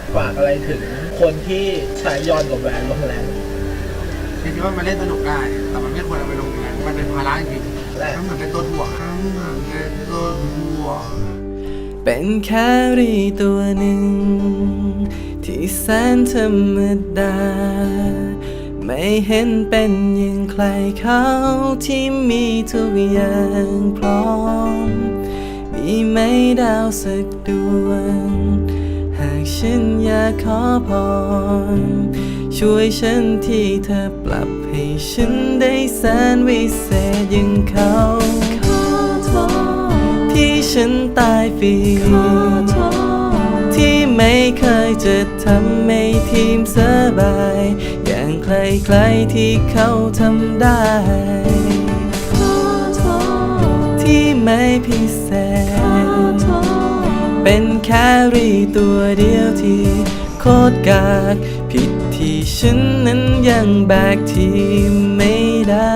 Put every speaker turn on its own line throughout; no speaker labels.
ฝากอะไรถึงคนที่ใช้ยอนกับแวนลงแรง
จริงๆว่ามันเล่นสนุกได้แต่มันไม่ควรเอาไปลงแรงมันเป็นภาระจริงๆมันเหมือนเป็นตัวถ่วงเป็นตัวถ่วง
เป็นแครี่ตัวหนึ่งที่แสนธรรมดาไม่เห็นเป็นอย่างใครเขาที่มีทุกอย่างพร้อมมีไม่ดาวสักดวงหากฉันอยากขอพรช่วยฉันที่เธอปรับให้ฉันได้แสนวิเศษอย่างเขาขอโทษที่ฉันตายฟรีขอโทษที่ไม่เคยจะทำให้ทีมสบายอย่างใครๆที่เขาทำได้ขอโทษที่ไม่พิเศษเป็นแครี่ตัวเดียวที่โคตรกากผิดที่ฉันนั้นยังแบกทีมไม่ได้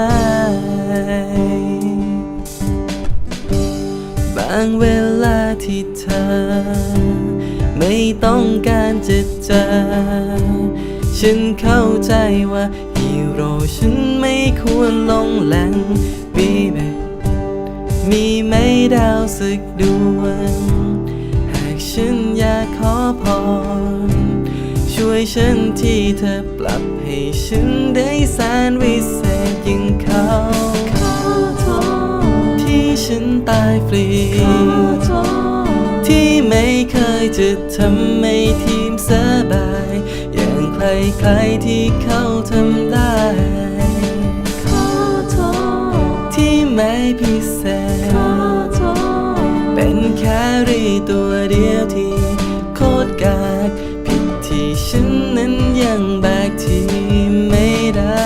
บางเวลาที่เธอไม่ต้องการจะเจอฉันเข้าใจว่าฮีโร่ฉันไม่ควรลงแหล่งบีเบมีไม่ดาวสักดวงหากฉันอยากขอพรช่วยฉันที่เธอปรับให้ฉันได้แสนวิเศษยิ่งเขาขอโทษที่ฉันตายฟรีขอโทษที่ไม่เคยจะทำให้ทีมสบายอย่างใครๆที่เขาทำได้ขอโทษที่ไม่พิเศษขอโทษเป็นแครี่ตัวเดียวที่โคตรกากผิดที่ฉันนั้นยังแบกทีมไม่ได้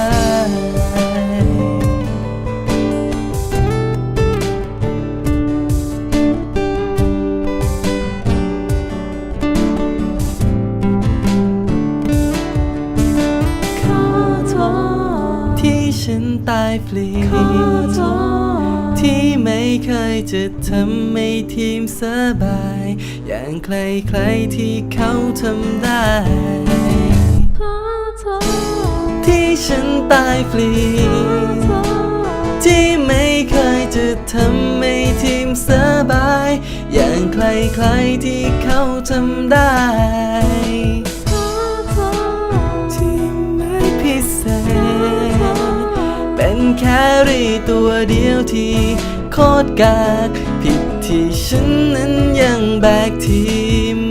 ที่ฉันตายฟรีขอโทษที่ไม่เคยจะทำให้ทีมสบายอย่างใครๆที่เขาทำได้ขอโทษที่ฉันตายฟรีที่ไม่เคยจะทำให้ทีมสบายอย่างใครๆที่เขาทำได้ที่ไม่พิเศษเป็นแครี่ตัวเดียวที่โคตรกากผิดที่ฉันนั้นยังแบกทีม